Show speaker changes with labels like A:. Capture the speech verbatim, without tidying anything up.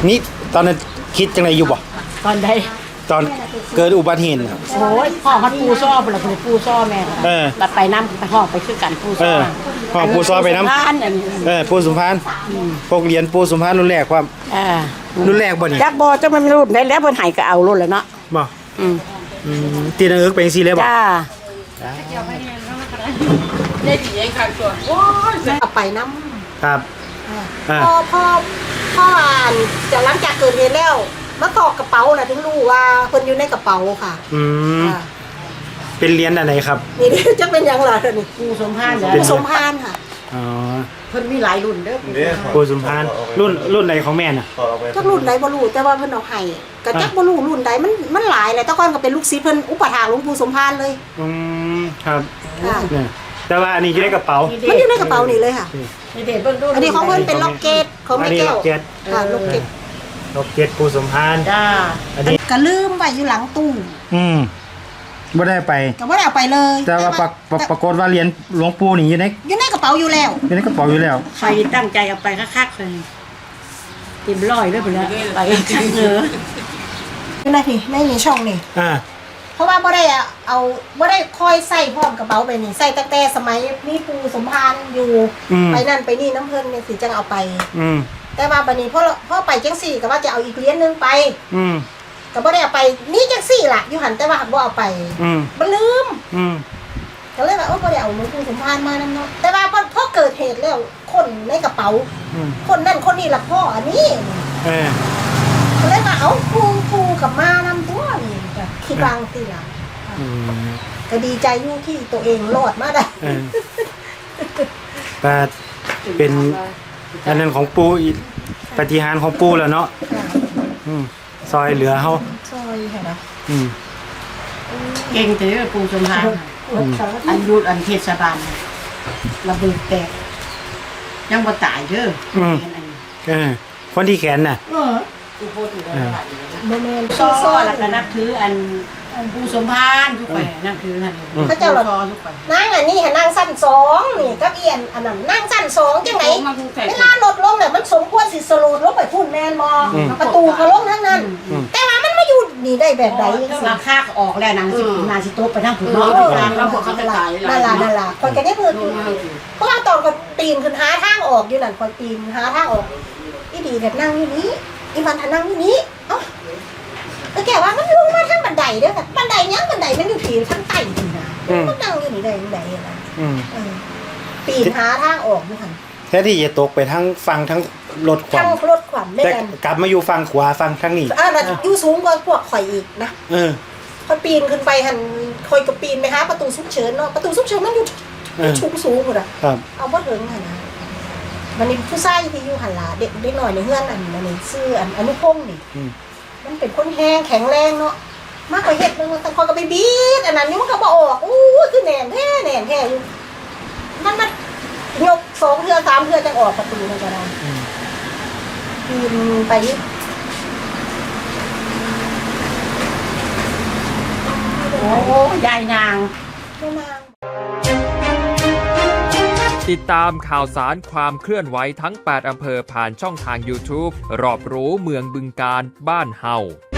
A: นี่ตอนนั้นคิดจังไดอยู่บ่
B: ตอนใด
A: ตอนเกิดอุบัติเหตุ
B: โอ้ยพ่อเขาปูซ้อบ่ล่ะคือปูซ้อแม่เออบัดไปน้ำไปห้องไปคือกันปูซ้อ
A: ห้องปูซ้อไปน้ำเออปูสุพรรณพวกเรียนปูสุพรรณรุ่นแรกความ
B: อ่า
A: รุ่นแรกบ่นี่
B: จักบ่จังมันรุ่นได้แล้วเพิ่นให้ก็เอารุ่นแล้วเนาะ
A: บ่อืมอืมตีนเอิกเป็นจังซี่เลยบ่
B: จ้าได้ดีเองค่ะส่วนโอ้ยเอาไปน้
A: ำครับ
B: พ่อพ่อพ่ออ่านจะหลังจากเกิดเหตุแล้วมาตอกกระเป๋าน่ะถึงรู้ว่าเพิ่นอยู่ในกระเป๋าค่ะ
A: อืมเป็นเหรียญอันไหนครับ
B: นี่จะเป็นอย่างไรนี่ปูสมพานปูสมพานค่ะ
A: อ๋อ
B: เพิ่นมีหลายรุ่นเด้อ
A: ปูสมพานรุ่นรุ่นไหนของแม่น่ะ
B: จักรุ่นไหนบ่รู้แต่ว่าเพิ่นเอาให้ก็จักบ่รู้รุ่นใดมันมันหลายแหละแต่ก่อนก็เป็นลูกศิษย์เพิ่นอุปถากหลวงปู่สมพานเลย
A: อืมครับแต่ว่าอันนี้อยู่ในกระเป๋า
B: มันอยู่ในกระเป๋านี่เลยค่ะอันนี้ของเพิ่นเป็นล็อกเก็ตของแม่แก้วค่ะล็อกเก็ต
A: ล็อกเก็ตปูสมพาน
B: จ้าอันนี้ก็ลืมไว้อยู่หลังตู้
A: อืมไม่ได้ไป
B: ก็ไม่ได้เอาไปเลย
A: แต่ว่าปรากฏว่าเหรียญหลวงปู่นี่อยู่ใน
B: อยู่ในกระเป๋าอยู่แล้ว
A: อยู่ในกระเป๋าอยู่แล้ว
B: ใครตั้งใจเอาไปคักๆเลยเต็มร้อยด้วยไปแล้วไปคักเนอะนี่นะพี่ไม่มีช่องนี่
A: อ่า
B: เพราะว่าไม่ได้เอาไม่ได้คอยใส่พร้อมกระเป๋าไปนี่ใส่ตั้งแต่สมัยมีปูสมพานอยู่ไปนั่นไปนี่น้ำเพลินเนี่ยสิจังเอาไปแต่ว่าบัดนี้พ่อพ่อไปจังสี่ก็ว่าจะเอาอีกเหรียญนึงไปก็บ่ได้เอาไปนี่จังสี่ล่ะอยู่หันแต่ว่าบ่เอาไปมันลืมก็เลยว่าโอ้บ่ได้เอาหลวงปู่สมภารมานำเนาะแต่ว่าพอพอเกิดเหตุแล้วคนในกระเป๋าคนนั่นคนนี้ล่ะพ่ออันนี้เออก็เลยว่าเอาปูปูกับมานำตัวนี่ก็คิดบางสิล่ะก็ดีใจอยู่ที่ตัวเองรอดมาได้
A: แต่เป็นอันนั้นของปูปฏิหารของปูแล้วเนาะซอยเหลือเขา
B: ซอยค่ะนะ
C: เก่งแต่ปูสมพานอันยุดอันเทศบาลระเบิดแตกยังบ่ตายเด้อ
A: คนที่แขนน่ะ
B: โมเมนต์
C: ซ้อแล้วก็นับถืออันปูสมพานทุกไปนั่นคือนั่น
B: พระเจ้าหลอดนั่งอันนี้ค่ะนั่งสั้นสองนี่กับเอียนอันนั้นนั่งสั้นสองจังไหนเวลาลดลงเนี่ยมันสมควรสิสโลดลงไปพุ่นแมนมอประตูก็ลงทั้งนั้นแต่ว่ามันไม่อยู่นี่ได้แบบใด
C: ราคาออกแล้วนางสินาสิโต๊ะไปนั่งผืนนอกแล้วพวกเขาจะตาย
B: นั่นล่ะนั่นล่ะคนก็ได้เพิ่นเพราะว่าตอนก็ปีนขึ้นหาทางออกอยู่นั่นคนปีนหาทางออกอีดีแบบนั่งอยู่นี้อีวันทานั่งอยู่นี้เอ้าแล้วแกว่ามันลงมาทั้งบันไดเด้อค่ะบันไดยังบันไดมันอยู่ที่ทั้งใต้นี่นะมันนั่งอยู่นี่ได้บันไดอะไรปีนหาทางออกอยู่ค่ะ
A: แท้ที่จะตกไปทั้งฟังทั้งรถขวัญ
B: ทั้งรถขวัญ
A: แต่กลับมาอยู่ฟังขวาฟังทั้งนี้
B: อ่าอยู่สูงกว่าพวกข่อยอีกนะ
A: เออ
B: พอปีนขึ้นไปหันคอยกับปีนไหมคะประตูซุกเฉินเนาะประตูซุกเฉินมันอยู่ชูสูงหมดอ่ะเอาบ่ถึงค่ะนะวันนี้ผู้ชายที่อยู่หันหลาเด็กเด็กหน่อยในเฮือนอันนี้ซื้ออันอนุพงศ์นี่มันเป็นคนแห้งแข็งแรงเนาะมากกว่าเห็ดเลยมันตะคอยก็ไปบีดอันนั้นนี่มันก็บอกออกอู้คือแหน่แท้แหน่แท้อยู่มันมันยกสองเทือสามเทือจะออกประตูมันก็ได้ปีนไป
C: โอ้ยายนาง
B: ยายนาง
D: ติดตามข่าวสารความเคลื่อนไหวทั้งแปดอำเภอผ่านช่องทาง ยูทูบ รอบรู้เมืองบึงกาฬบ้านเฮา